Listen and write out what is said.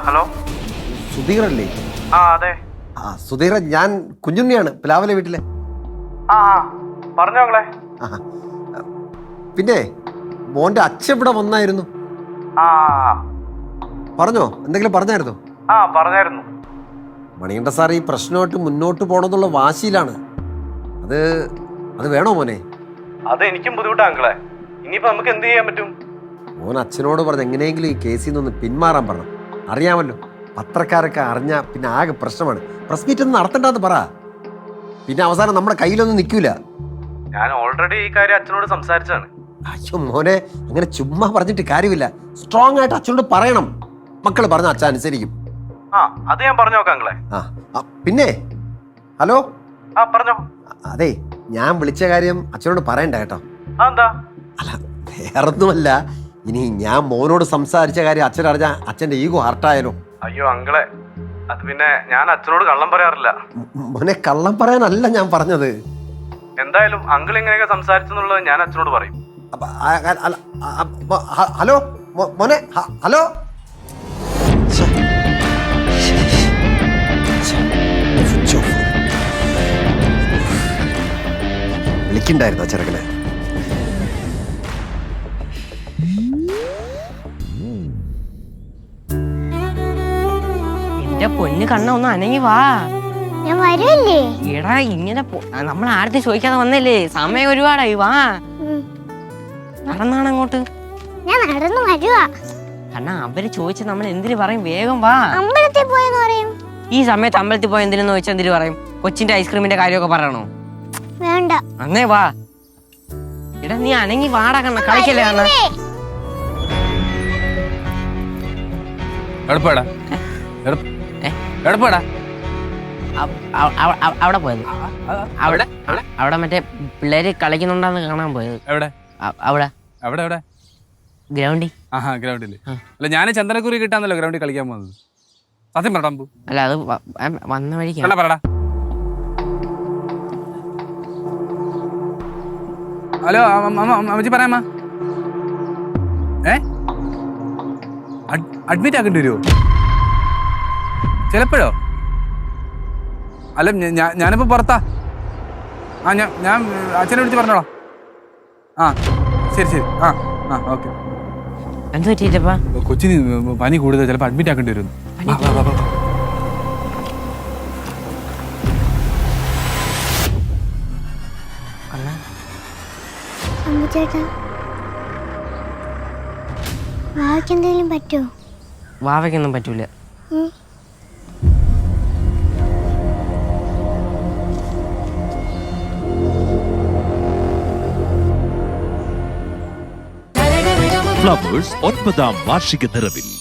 Hello സുധീറല്ലേ? അതെ. സുധീറ, ഞാൻ കുഞ്ഞുണ്ണിയാണ്, പ്ലാവലെ വീട്ടിലെ. പറഞ്ഞോ മകളെ. പിന്നെ മോന്റെ അച്ഛൻ ഇവിടെ വന്നായിരുന്നു. പറഞ്ഞോ, എന്തെങ്കിലും പറഞ്ഞായിരുന്നോ? പറഞ്ഞായിരുന്നു. മണികണ്ഠ സാർ ഈ പ്രശ്നമായിട്ട് മുന്നോട്ട് പോകണമെന്നുള്ള വാശിയിലാണ്. അത് വേണോ മോനെ? അത് എനിക്കും ബുദ്ധിമുട്ടാ അങ്കിളെ. ഇനിയിപ്പോ നമുക്ക് എന്ത് ചെയ്യാൻ പറ്റും? മോൻ അച്ഛനോട് പറഞ്ഞ് എങ്ങനെയെങ്കിലും ഈ കേസിൽ നിന്ന് പിന്മാറാൻ പറഞ്ഞു. അറിയാമല്ലോ, പത്രക്കാരൊക്കെ അറിഞ്ഞാൽ പിന്നെ ആകെ പ്രശ്നമാണ്. പ്രസ് മീറ്റ് ഒന്നും നടത്തണ്ടെന്ന് പറ. പിന്നെ അവസാനം നമ്മുടെ കയ്യിലൊന്നും നിൽക്കൂല. ഞാൻ ഓൾറെഡി ഈ കാര്യം അച്ഛനോട് സംസാരിച്ചാണ്. അയ്യോ മോനെ, അങ്ങനെ ചുമ്മാ പറഞ്ഞിട്ട് കാര്യമില്ല. സ്ട്രോങ് ആയിട്ട് അച്ഛനോട് പറയണം. മക്കൾ പറഞ്ഞ അച്ഛൻ അനുസരിക്കും. അത് ഞാൻ പറഞ്ഞു നോക്കാം അങ്കിളെ. പിന്നെ ഹലോ, പറഞ്ഞോ. അതെ, ഞാൻ വിളിച്ച കാര്യം അച്ഛനോട് പറയണ്ട കേട്ടോ. എന്താ? അല്ല, വേറൊന്നുമല്ല. ഇനി ഞാൻ മോനോട് സംസാരിച്ച കാര്യം അച്ഛൻ അറിഞ്ഞാൽ അച്ഛൻ്റെ ഈഗോ ഹർട്ടായാലോ? അയ്യോ അങ്കിളെ, അത് പിന്നെ ഞാൻ അച്ഛനോട് കള്ളം പറയാറില്ല. മോനെ, കള്ളം പറയാനല്ല ഞാൻ പറഞ്ഞത്. എന്തായാലും അങ്കിൾ ഇങ്ങനെയൊക്കെ സംസാരിച്ചെന്നുള്ളത് ഞാൻ അച്ഛനോട് പറയും. ഹലോ മോനെ, ഹലോ. വിളിക്കണ്ടായിരുന്നോ ചെറുക്കനെ? എന്റെ പൊന്ന് കണ്ണ ഒന്ന് അനങ്ങി വാ. ഞാൻ വരുമല്ലേ? എടാ ഇങ്ങനെ നമ്മൾ ആരത്തി ചോദിക്കാതെ വന്നല്ലേ, സമയം ഒരുപാടായി. വാ, നടന്നാണ് അങ്ങോട്ട്. ഞാൻ നടന്നു വരുവാ. കണ്ണ അവര് ചോദിച്ച നമ്മൾ എന്തിനു പറയും? വേഗം വാ. അമ്പലത്തിൽ പോയെന്ന് പറയും. ഈ സമയത്ത് അമ്പലത്തിൽ പോയി എന്തിനെന്ന് ചോദിച്ചാൽ എന്തിനു പറയും? കൊച്ചിന്റെ ഐസ്ക്രീമിന്റെ കാര്യമൊക്കെ പറയണോ? വേണ്ട. അന്നേ വാ. എടാ നീ അനങ്ങി വാടാ കണ്ണ, കളിക്കല്ലേ കണ്ണ. അവിടെ പോയത്, അവിടെ മറ്റേ പിള്ളേര് കളിക്കുന്നുണ്ടാന്ന് കാണാൻ പോയത്. അവിടെ ഗ്രൗണ്ടിൽ. ഗ്രൗണ്ടില് അല്ല, ഞാൻ ചന്ദനക്കുറി കിട്ടാന്നല്ലോ ഗ്രൗണ്ടിൽ കളിക്കാൻ പോകുന്നത്. സത്യം പറടാ. അല്ല, അത് വന്ന വഴിക്ക് പറടാ. ഹലോ അമ്മച്ചി, പറയാമ്മ. അഡ്മിറ്റ് ആക്കേണ്ടി വരുമോ ചിലപ്പോഴോ? അല്ല, ഞാനിപ്പോ പുറത്താ. ഞാൻ അച്ഛനെ വിളിച്ച് പറഞ്ഞോളാം. ശരി. ഓക്കെ. എന്ത് പറ്റിയിട്ടപ്പാ? കൊച്ചിന് പനി കൂടുതൽ, ചിലപ്പോൾ അഡ്മിറ്റ് ആക്കേണ്ടി വരും. ചേട്ടാ, വാവയ്ക്ക് എന്തെങ്കിലും പറ്റുമോ? വാവയ്ക്കൊന്നും പറ്റൂല. ഫ്ലവേഴ്സ് 9ാം വാർഷിക നിറവിൽ